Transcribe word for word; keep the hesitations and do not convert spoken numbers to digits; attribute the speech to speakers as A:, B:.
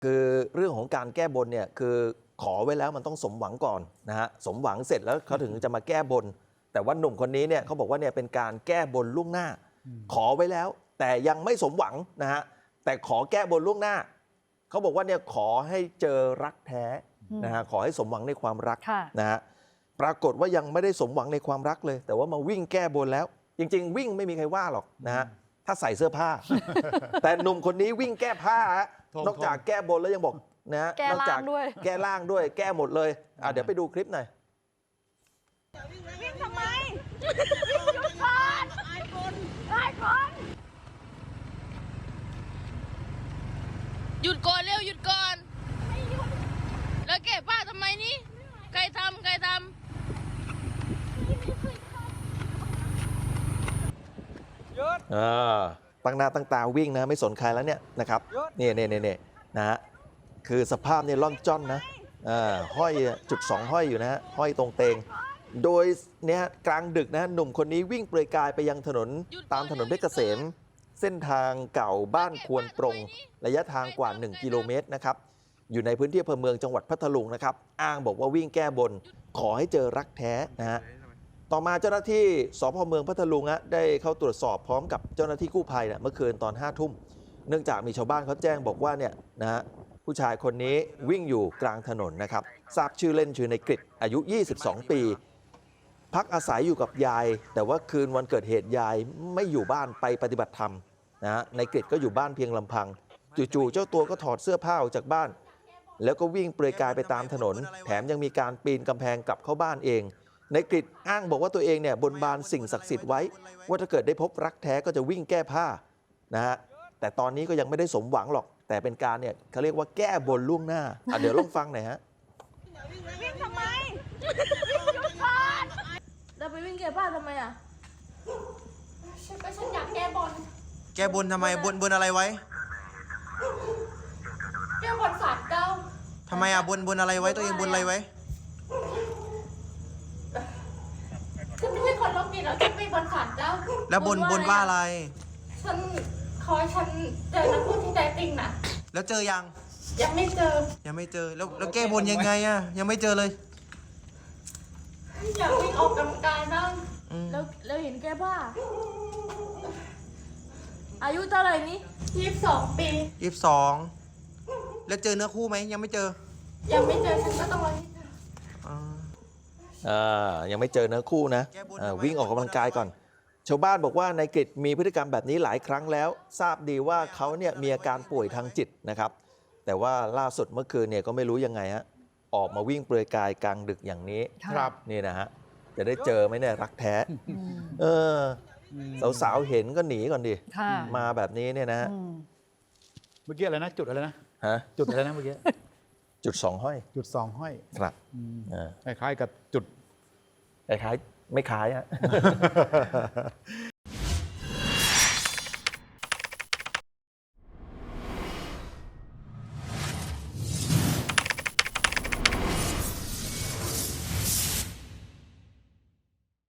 A: คือเรื่องของการแก้บนเนี่ยคือขอไว้แล้วมันต้องสมหวังก่อนนะฮะสมหวังเสร็จแล้วเขาถึงจะมาแก้บน แต่ว่าหนุ่มคนนี้เนี่ยเขาบอกว่าเนี่ยเป็นการแก้บนล่วงหน้า ขอไว้แล้ว แต่ยังไม่สมหวังนะฮะแต่ขอแก้บนล่วงหน้าเขาบอกว่าเนี่ยขอให้เจอรักแท้นะฮะขอให้สมหวังในความรักนะฮะปรากฏว่ายังไม่ได้สมหวังในความรักเลย แต่ว่ามาวิ่งแก้บนแล้ว จริงๆวิ่งไม่มีใครว่าหรอกนะฮะถ้าใส่เสื้อผ้า แต่หนุ่มคนนี้วิ่งแก้ผ้านอกจากแก้บนแล้วยังบอกนะนอกจากแก้ล่างด้วยแก้หมดเลยอ่ะเดี๋ยวไปดูคลิปหน่อย
B: วิ่งทำไมวิ่งหยุดก่อนไอ้คนไอ้คน
C: หยุดก่อนเร็วหยุดก่อนแล้วแก้ผ้าทำไมนี่ใครทำใครทำ
A: อ่าตั้งหน้าตั้งตาวิ่งนะไม่สนใครแล้วเนี่ยนะครับนี่นี่นี่นี่นะฮะคือสภาพเนี่ยล่อนจ้อนนะอ่าห้อยจุดสองห้อยอยู่นะฮะห้อยตรงเตงโดยเนี่ยกลางดึกนะหนุ่มคนนี้วิ่งเปลือยกายไปยังถนนตามถนนเพชรเกษมเส้นทางเก่าบ้านควรปรงระยะทางกว่าหนึ่งกิโลเมตรนะครับอยู่ในพื้นที่อำเภอเมืองจังหวัดพัทลุงนะครับอ้างบอกว่าวิ่งแก้บนขอให้เจอรักแท้นะฮะต่อมาเจ้าหน้าที่สพเมืองพัทลุงฮะได้เข้าตรวจสอบพร้อมกับเจ้าหน้าที่กู้ภัยเนี่ยเมื่อคืนตอนห้าทุ่มเนื่องจากมีชาวบ้านเขาแจ้งบอกว่าเนี่ยนะฮะผู้ชายคนนี้วิ่งอยู่กลางถนนนะครับทราบชื่อเล่นชื่อในกฤษอายุยี่สิบสองปีพักอาศัยอยู่กับยายแต่ว่าคืนวันเกิดเหตุยายไม่อยู่บ้านไปปฏิบัติธรรมนะฮะในกฤษก็อยู่บ้านเพียงลำพังจู่ๆเจ้าตัวก็ถอดเสื้อผ้าออกจากบ้านแล้วก็วิ่งเปลือยกายไปตามถนนแถมยังมีการปีนกำแพงกลับเข้าบ้านเองในกฤษอ้างบอกว่าตัวเองเนี่ยบนบานสิ่งศักดิ์สิทธิ์ไว้ว่าถ้าเกิดได้พบรักแท้ก็จะวิ่งแก้ผ้านะฮะแต่ตอนนี้ก็ยังไม่ได้สมหวังหรอกแต่เป็นการเนี่ยเขาเรียกว่าแก้บนล่วงหน้าอ่ะเดี๋ยวลองฟังหน่อยฮะ
B: วิ่งทำไมวิ่งหยุดก่อน
C: เราไปวิ่งแก้ผ้าทำไมอ่ะ
B: ฉันก็ฉันอยากแก้บน
D: แก้บนทำไมบนบนอะไรไว้
B: แก้บนศาลเจ้า
D: ทำไมอ่ะบนบนอะไรไว้ตัวเองบนอะไรไว้
B: ฉันไม่ใช่คนโรคจิตแล้วฉันไปบนศาลเจ้า
D: แล้วบนบนว่าอะไร
B: ฉันขอให้ฉันเจอนักพูดที่แท้จริงนะ
D: แล้วเจอยัง
B: ยังไม่เจอ
D: ยังไม่เจอแล้วแล้วแก้บนยังไงอ่ะยังไม่เจอเลย
B: อยากวิ่งออกกำลังกายบ้าง
C: แล้วแล้วเห็นแก้ผ้าอายุเท่าไหร่นี้
B: ยี่สิบสองปี
D: ยี่สิบสองแล้วเจอเนื้อคู่ไหมยังไม่เจอ
B: ยังไม่เจอฉันก็ต้องรอที่เจอ
A: อ่ายังไม่เจอเนื้อคู่นะวิ่งออกกำลังกายก่อนชาวบ้านบอกว่านายกฤษมีพฤติกรรมแบบนี้หลายครั้งแล้วทราบดีว่าเขาเนี่ยมีอาการป่วยทางจิตนะครับแต่ว่าล่าสุดเมื่อคืนเนี่ยก็ไม่รู้ยังไงฮะออกมาวิ่งเปลือยกายกลางดึกอย่างนี้ครับนี่นะฮะจะได้เจอไหมเนี่ยรักแท้เออสาวๆเห็นก็หนีก่อนดิมาแบบนี้เนี่ยนะ
E: เมื่อกี้อะไรนะจุดอะไรนะ
A: ฮะ
E: จุดอะไรนะเมื่อกี้
A: จุดสองห้อย
E: จุดสองห้อย
A: ครับ
E: คล้ายๆกับจุด
A: คล้ายๆไม่คล้ายฮะ